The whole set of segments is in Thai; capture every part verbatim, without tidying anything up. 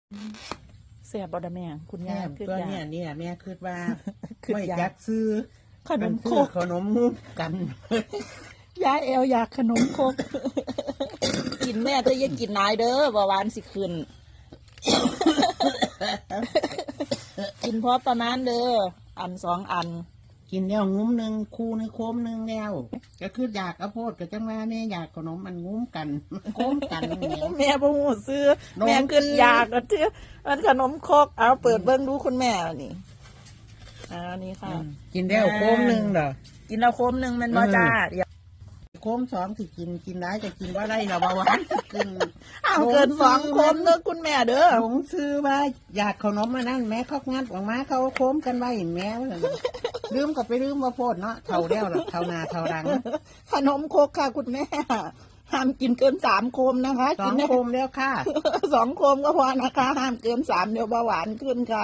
เสียบอดแม่คุณแม่ยายคือตัวอยาเนี่ยเนี่ยแม่คิดว่าคือไม่อยาจักกซื้อขนมโคซื้อก ขนมมุกกันยายเอวอยากขนมโคก กินแม่จะอย่ากินนายเด้อบ่หวานสิขึ้น กินพอประมาณเด้ออันสองอันกินแล้วงุ้มหนึ่งคู่ในโคมหนึ่งแล้วก็คืออยากเอาโพดกับจังว่าแม่อยากขนมมันงุ้มกันโคมกันเนี่ยแม่บ่ฮู้ซื้อน้องแม่ขึ้นอยากก็เชื่อมันขนมโคกเอาเปิดเบิ่งดูคุณแม่นี่อ่านี่ค่ะกินแล้วโคมหนึ่งเหรอกินแล้วโคมหนึงแม่นบ่เออจ้าเดี๋ยวโคมสองที่กินกินได้จะกินว่าได้เราเบาหวานสิกินเอาเกินสองโคมเด้อคุณแม่เด้อหลงซื้อว่าอยากขนมมานั่นแม่เขางัดออกมาเขาโค้มกันไว้แม่ว่าซั่นลืมก็ไปลืมว่าโพดเนาะเท่าแล้วหรอกเท่านาเท่ารังขนมโคกค่ะคุณแม่ห้ามกินเกินสามโคมนะคะสอกิงนได้โคมแล้วค่ะสองโคมก็พอนะคะ ห้ามเกินสามเดี๋ยวเบาหวานขึ้นค่ะ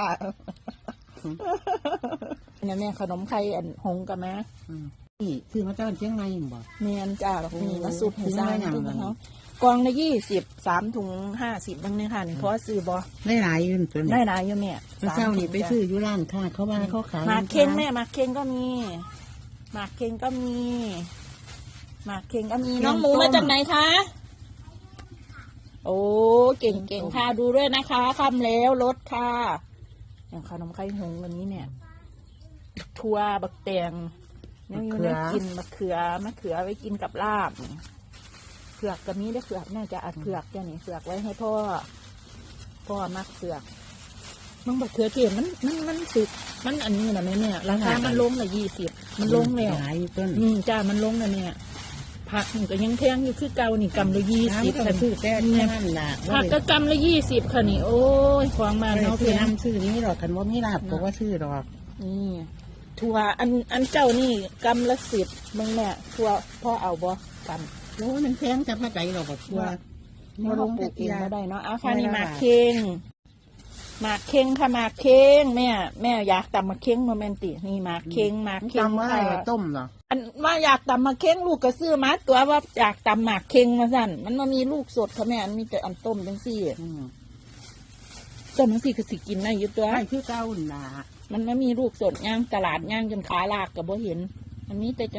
เนี่ยแม่ขนมไข่อันหงกับแม่อืมนี่ซื้อมาจากเชียงใหม่บ่เมียนจ้าแบบนี้มาสุดให้สร้างซื้อมาอย่างทุกนั้นเขากองละยี่สิบสามถุงห้าสิบบ้างเนี่ยค่ะนี่เพราะว่าซื้อบอได้หลายอยืนตัวได้นี้หลายอยู่แม่เมื่อเช้านี่ไปซื้ออยู่ร้านค่ะ เขาว่าเขาขายหมากเค็งแม่หมากเค็งก็มีหมากเค็งก็มีหมากเค็งก็มีน้องหมูมาจากไหนคะโอ้เก่งเก่งค่ะดูด้วยนะคะคำแล้วรถค่ะอย่างขนมไข่หงส์วันนี้เนี่ยทัวบักแตงเนี่ยอยู่ได้กินมะเขือมะเขือไว้กินกับลาบเผือกกับนี้ได้เผือกน่าจะอัดเผือกเจ้านี่เผือกไว้ให้พ่อพ่อมักเผือกมันบักเขือเทศมันมันมันสุกมันอันนี้นะแม่เนี่ยราคามันลงละยี่สิบมันลงแล้วหลายอยู่ต้นอืมจ้ามันลงแล้วเนี่ยผักนี่ก็ยังแพงอยู่คือเก่านี่กำละยี่สิบน้ำก็ซื้อแต่แค่นั้นล่ะผักก็กำละยี่สิบค่ะนี่โอ้ยของมามันเนาเอาแพคือง น้ำซื้อนี้หรอกคันว่ามีลาบก็ว่าซื้อหรอกนี่ถั่วอันอันเจ้านี่กำละสิบมึงแม่ถั่วพ่อเอาบ่กำโอ้ยมันแพงจะมาใจหรอกแบบว่ามาลงปลูกเองก็ได้เนาะเอาค่ะนี่หไม่มากได้เค็งหมากเค็งค่ะหมากเค็งแม่แม่อยากตำหมากเค็งโมเมนตินี่หมากเค็งหมากเค็งจำว่าค่ะต้มเหรออันว่าอยากตำหมากเค็งลูกก็ซื้อมาตัวว่าอยากตำหมากเค็งมาสั่นมันมามีลูกสดค่ะแม่อันมีแต่อันต้มจังซี่อืมต้มจังซี่ก็สิกินได้อยู่ตัวใช่คือเก้าหนามันไม่มีลูกสดย่างตลาดย่างจนขาลากกับบ่เห็น อันนี้แต่จั